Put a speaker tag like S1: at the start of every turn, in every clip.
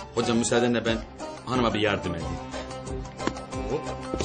S1: Hocam müsaadenle ben hanıma bir yardım edeyim. Hop.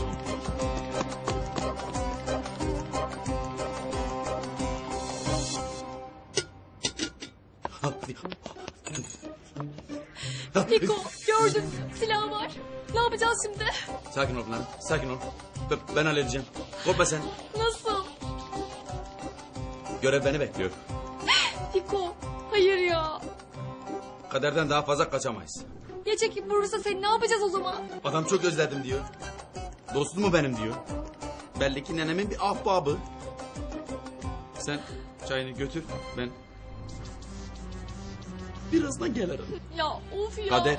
S2: Fiko gördüm silah var. Ne yapacağız şimdi?
S1: Sakin ol Pınar, sakin ol. Ben halledeceğim. Korkma sen.
S2: Nasıl?
S1: Görev beni bekliyor.
S2: Fiko hayır ya.
S1: Kaderden daha fazla kaçamayız.
S2: Ya çekip vurursa seni ne yapacağız o zaman?
S1: Adam çok özledim diyor. Dostum mu benim diyor. Belli ki nenemin bir ahbabı. Sen çayını götür, ben birazdan gelirim.
S2: Ya of ya.
S1: Kader.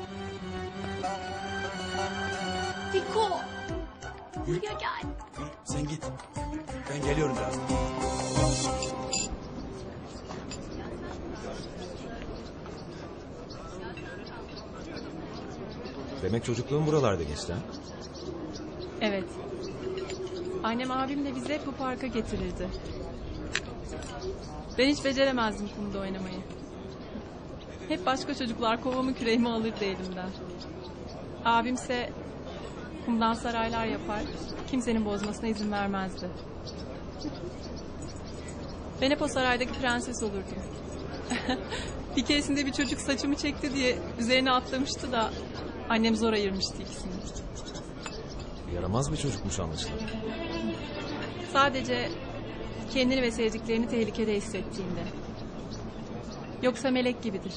S2: Fiko. Buraya gel.
S1: Yürü, sen git. Ben geliyorum birazdan.
S3: Demek çocukluğun buralarda geçti ha?
S4: Evet. Annem abimle bizi hep bu parka getirirdi. Ben hiç beceremezdim kumda oynamayı. Hep başka çocuklar kovamı küreğimi alırdı elimden. Abimse kumdan saraylar yapar, kimsenin bozmasına izin vermezdi. Ben hep o saraydaki prenses olurdum. Bir keresinde bir çocuk saçımı çekti diye üzerine atlamıştı da annem zor ayırmıştı ikisini.
S3: Yaramaz bir çocukmuş anlaşılan.
S4: Sadece kendini ve sevdiklerini tehlikede hissettiğinde. Yoksa melek gibidir.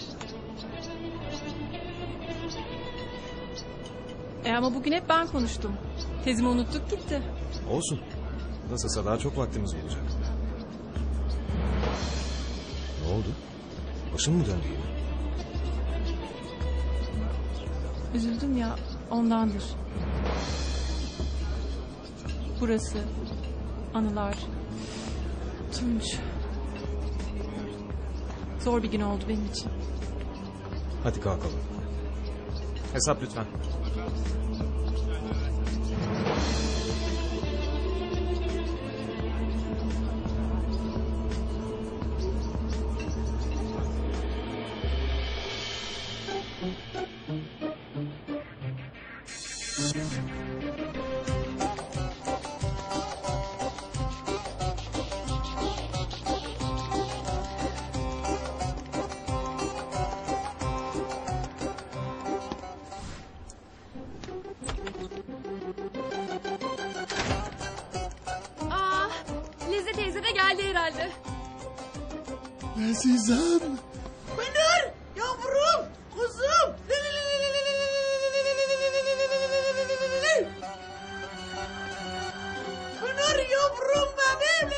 S4: Ama bugün hep ben konuştum. Tezimi unuttuk gitti.
S3: Olsun. Nasılsa daha çok vaktimiz olacak. Ne oldu? Başın mı döndü yine?
S4: Üzüldüm ya ondandır. Burası, anılar, Tunç. Zor bir gün oldu benim için.
S3: Hadi kalkalım. Hesap lütfen.
S2: Lezze teyze de geldi herhalde.
S5: Azizem. Pınar yavrum kuzum. Pınar yavrum benim.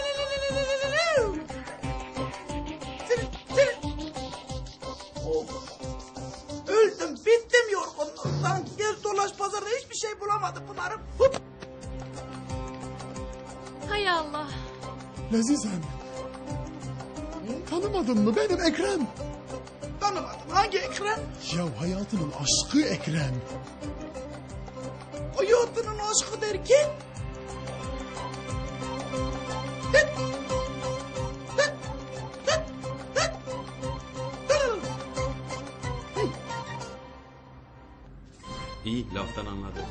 S5: Of. Öldüm bittim yorgunluktan. Gez dolaş pazarda hiçbir şey bulamadım Pınar'ım.
S2: Hay Allah.
S5: Azizem. Tanımadın mı benim Ekrem?
S6: Tanımadım. Hangi Ekrem?
S5: Ya hayatının aşkı Ekrem.
S6: Hayatının aşkı derken?
S1: İyi, laftan anladı.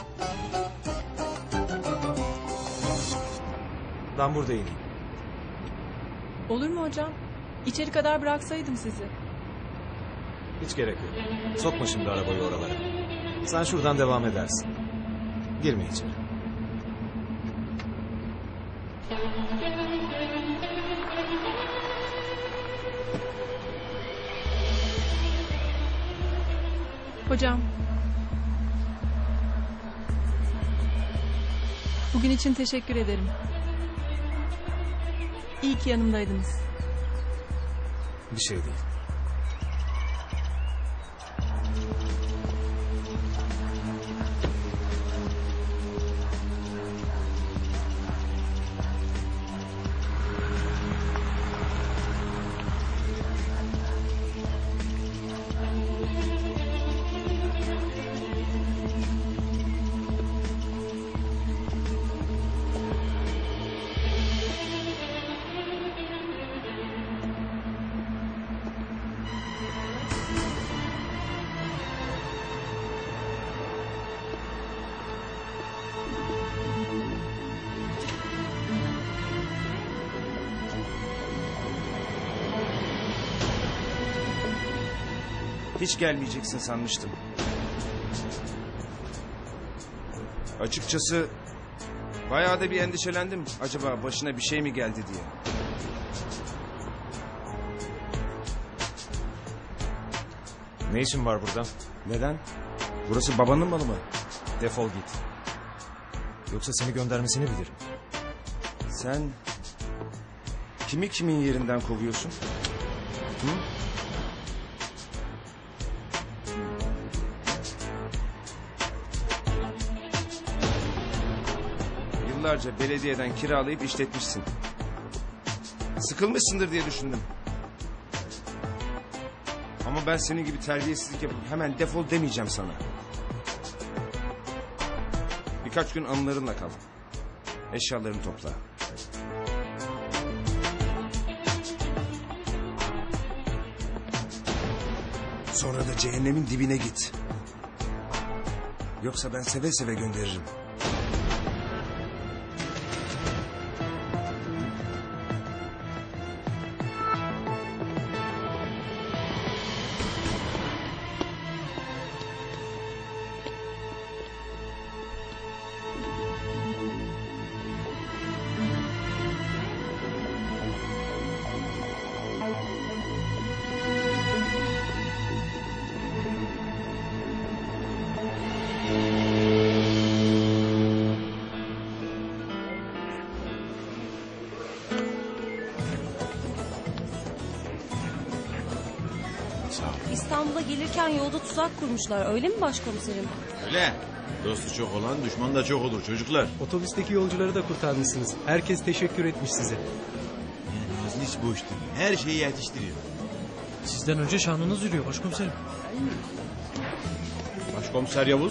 S3: Ben burada ineyim.
S4: Olur mu hocam? İçeri kadar bıraksaydım sizi.
S3: Hiç gerek yok. Sokma şimdi arabayı oralara. Sen şuradan devam edersin. Girme içeri.
S4: Hocam. Bugün için teşekkür ederim. İyi ki yanımdaydınız.
S3: Bir şey değil.
S7: Hiç gelmeyeceksin sanmıştım. Açıkçası bayağı da bir endişelendim. Acaba başına bir şey mi geldi diye.
S3: Ne işin var burada?
S7: Neden? Burası babanın malı mı?
S3: Defol git. Yoksa seni göndermesini bilirim.
S7: Sen kimi kimin yerinden kovuyorsun? Hı? Yıllarca belediyeden kiralayıp işletmişsin. Sıkılmışsındır diye düşündüm. Ama ben senin gibi terbiyesizlik yapıp hemen defol demeyeceğim sana. Birkaç gün anılarınla kal. Eşyalarını topla. Sonra da cehennemin dibine git. Yoksa ben seve seve gönderirim.
S8: İstanbul'a gelirken yolda tuzak kurmuşlar. Öyle mi başkomiserim?
S1: Öyle. Dostu çok olan düşman da çok olur çocuklar.
S9: Otobüsteki yolcuları da kurtarmışsınız. Herkes teşekkür etmiş size.
S1: Yani Nazlı hiç boş değil. Her şeyi yetiştiriyor.
S9: Sizden önce şanınız yürüyor başkomiserim.
S10: Başkomiser Yavuz,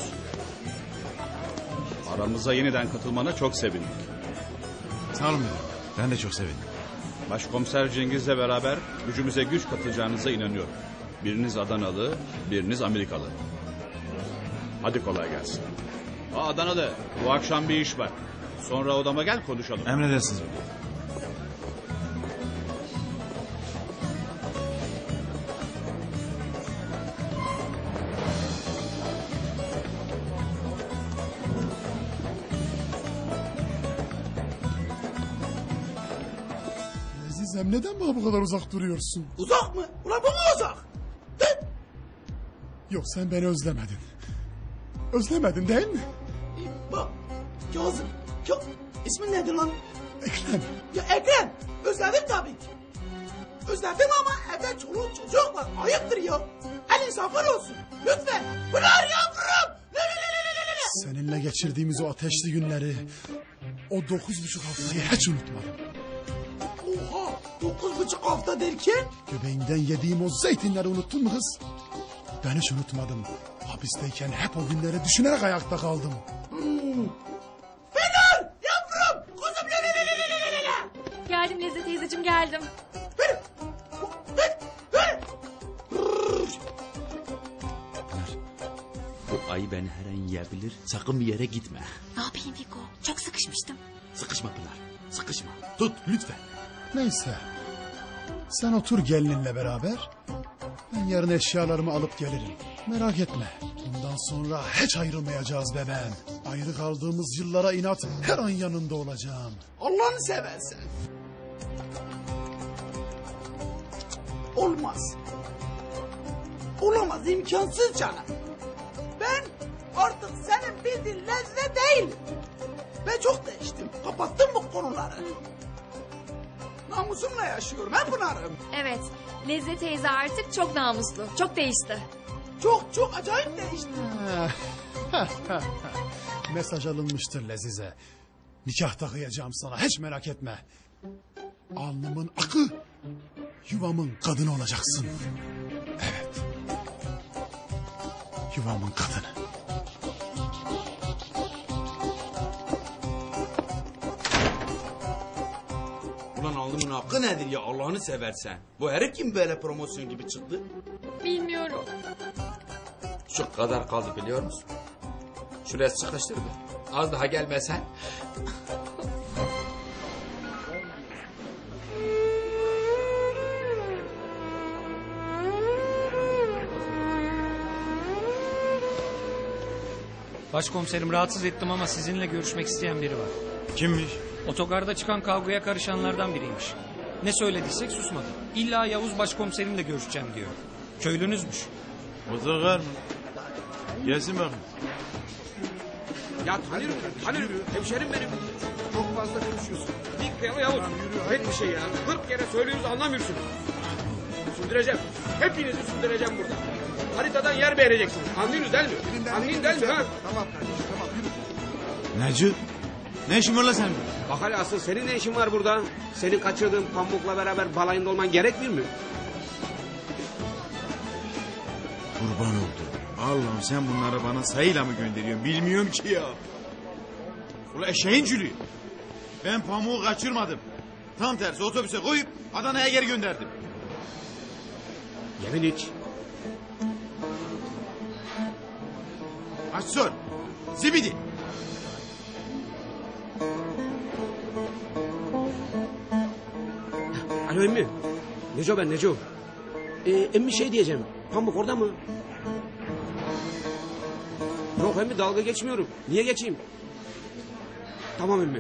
S10: aramıza yeniden katılmana çok sevindik.
S1: Sağ olun müdürüm. Ben de çok sevindim.
S10: Başkomiser Cengiz'le beraber gücümüze güç katacağınıza inanıyorum. Biriniz Adanalı, biriniz Amerikalı. Hadi kolay gelsin. Adanalı, bu akşam bir iş var. Sonra odama gel konuşalım.
S1: Emredersiniz müdürüm.
S6: Azizem neden bana bu kadar uzak duruyorsun?
S5: Uzak mı? Ulan bu mu uzak?
S6: Yok sen beni özlemedin. Özlemedin değil mi?
S5: Bak Kazım. Ya, ismin nedir lan?
S6: Ekrem.
S5: Ya Ekrem. Özledim tabii ki. Özledim ama evde çoluk çocuk var. Ayıptır ya. El insafın olsun. Lütfen. Pınar yavrum.
S6: Seninle geçirdiğimiz o ateşli günleri, o 9,5 haftayı hiç unutmadım.
S5: Oha. 9,5 hafta derken?
S6: Göbeğinden yediğim o zeytinleri unuttun mu kız? Ben hiç unutmadım. Hapisteyken hep o günleri düşünerek ayakta kaldım.
S5: Pınar yavrum. Kuzum.
S2: Geldim Lezzet teyzeciğim geldim.
S1: Bu ayı beni her an yiyebilir. Sakın bir yere gitme.
S2: Ne yapayım Fiko? Çok sıkışmıştım.
S1: Sıkışma Pınar. Sıkışma. Tut lütfen.
S6: Neyse. Sen otur gelininle beraber. Ben yarın eşyalarımı alıp gelirim. Merak etme. Bundan sonra hiç ayrılmayacağız bebeğim. Ayrı kaldığımız yıllara inat her an yanında olacağım.
S5: Allah'ını seversen. Olmaz. Olamaz, imkansız canım. Ben artık senin bildiğin Lezzet değilim. Ben çok değiştim. Kapattım bu konuları. Namusumla yaşıyorum he Pınar'ım.
S2: Evet. Lezzet teyze artık çok namuslu. Çok değişti.
S5: Çok acayip değişti.
S6: Mesaj alınmıştır Lezize. Nikahta kıyacağım sana hiç merak etme. Alnımın akı, yuvamın kadını olacaksın. Evet. Yuvamın kadını.
S1: Ulan alnımın hakkı nedir ya Allah'ını seversen. Bu herif kim böyle promosyon gibi çıktı?
S2: Bilmiyorum.
S11: Şu kadar kaldı biliyor musun? Şuraya sıkıştırdı. Az daha gelmesen.
S12: Başkomiserim rahatsız ettim ama sizinle görüşmek isteyen biri var.
S13: Kimmiş?
S12: Otogarda çıkan kavgaya karışanlardan biriymiş. Ne söylediysek susmadı. İlla Yavuz başkomiserimle görüşeceğim diyor. Köylünüzmüş.
S13: Otogar mı? Gelsin bakın.
S14: Ya tanıyorum. Hemşerim benim. Çok fazla konuşuyorsun. Dik Yavuz. Pek bir şey ya. 40 kere söylüyoruz anlamıyorsunuz. Sündüreceğim. Hepinizi sündüreceğim burada. Haritadan yer beğeneceksiniz. Anlıyorsunuz değil mi? Anlayın değil mi? Ha?
S5: Tamam kardeşim tamam yürü.
S13: Necip? Ne işin var lan senin?
S14: Bak hele asıl senin ne işin var burada? Senin kaçırdığın Pamuk'la beraber balayında olman gerekmiyor mu?
S13: Kurban oldu. Allah'ım sen bunları bana sayıyla mı gönderiyorsun? Bilmiyorum ki ya. Ulan eşeğin cülü. Ben pamuğu kaçırmadım. Tam tersi otobüse koyup Adana'ya geri gönderdim.
S14: Yemin iç.
S13: Aç sor. Zibidi.
S14: Alo emmi. Neco ben Neco. Emmi şey diyeceğim. Pamuk orada mı? Yok emmi dalga geçmiyorum. Niye geçeyim? Tamam emmi.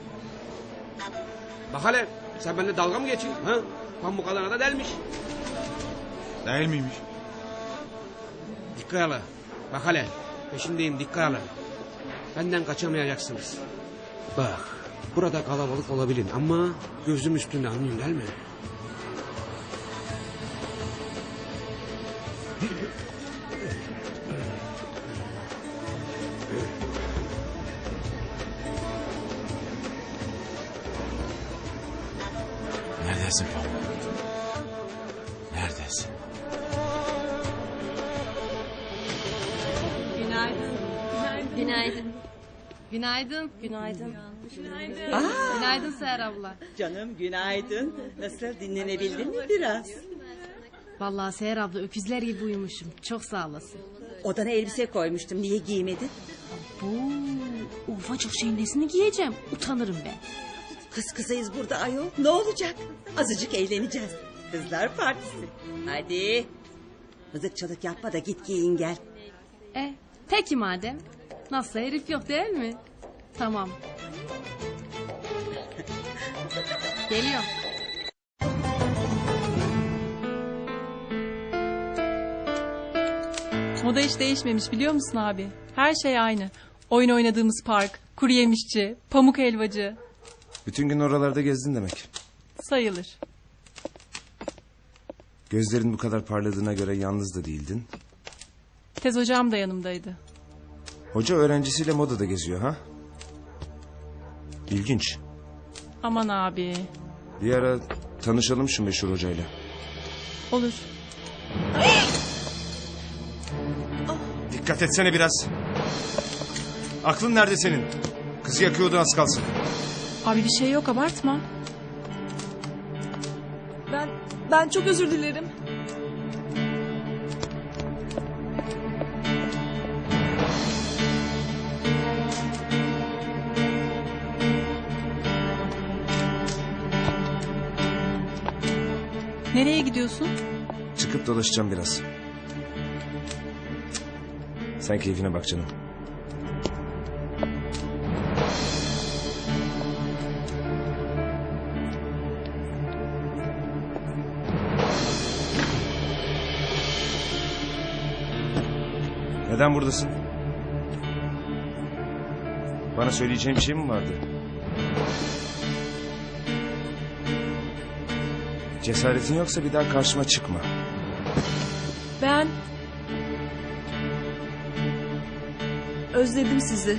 S14: Bak hele sen benimle dalga mı geçiyorsun? Ha? Pamuk Adana'da delmiş.
S13: Değil miymiş?
S14: Dikkat ala. Bak hele peşindeyim dikkat ala. Benden kaçamayacaksınız. Bak burada kalabalık olabilir ama gözüm üstünde anlıyorsun değil mi?
S13: Neredesin Pamuk? Neredesin?
S4: Günaydın.
S2: Günaydın.
S8: Günaydın. Günaydın.
S15: Günaydın
S8: Seher abla.
S15: Canım günaydın. Nasıl dinlenebildin mi biraz?
S8: Vallahi Seher abla öküzler gibi uyumuşum. Çok sağ olasın.
S15: Odana elbise koymuştum. Niye giymedin?
S8: O ufacık şeyin nesini giyeceğim? Utanırım ben.
S15: Kız kızayız burada ayol. Ne olacak? Azıcık eğleneceğiz. Kızlar partisi. Hadi. Mızıkçılık yapma da git giyin gel.
S8: Peki madem. Nasıl herif yok değil mi? Tamam. Geliyorum.
S4: Moda hiç değişmemiş biliyor musun abi? Her şey aynı. Oyun oynadığımız park, kuru yemişçi, pamuk helvacı.
S7: Bütün gün oralarda gezdin demek.
S4: Sayılır.
S7: Gözlerin bu kadar parladığına göre yalnız da değildin.
S4: Tez hocam da yanımdaydı.
S7: Hoca öğrencisiyle modada geziyor ha? İlginç.
S4: Aman abi.
S7: Bir ara tanışalım şu meşhur hocayla.
S4: Olur.
S7: Dikkat etsene biraz. Aklın nerede senin? Kızı yakıyordu az kalsın.
S4: Abi bir şey yok abartma.
S2: Ben çok özür dilerim.
S4: Nereye gidiyorsun?
S7: Çıkıp dolaşacağım biraz. Sen keyfine bak canım. Neden buradasın? Bana söyleyeceğin bir şey mi vardı? Cesaretin yoksa bir daha karşıma çıkma.
S2: Ben özledim sizi.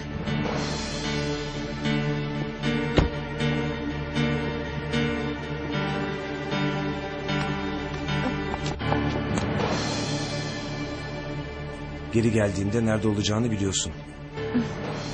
S7: Geri geldiğinde nerede olacağını biliyorsun.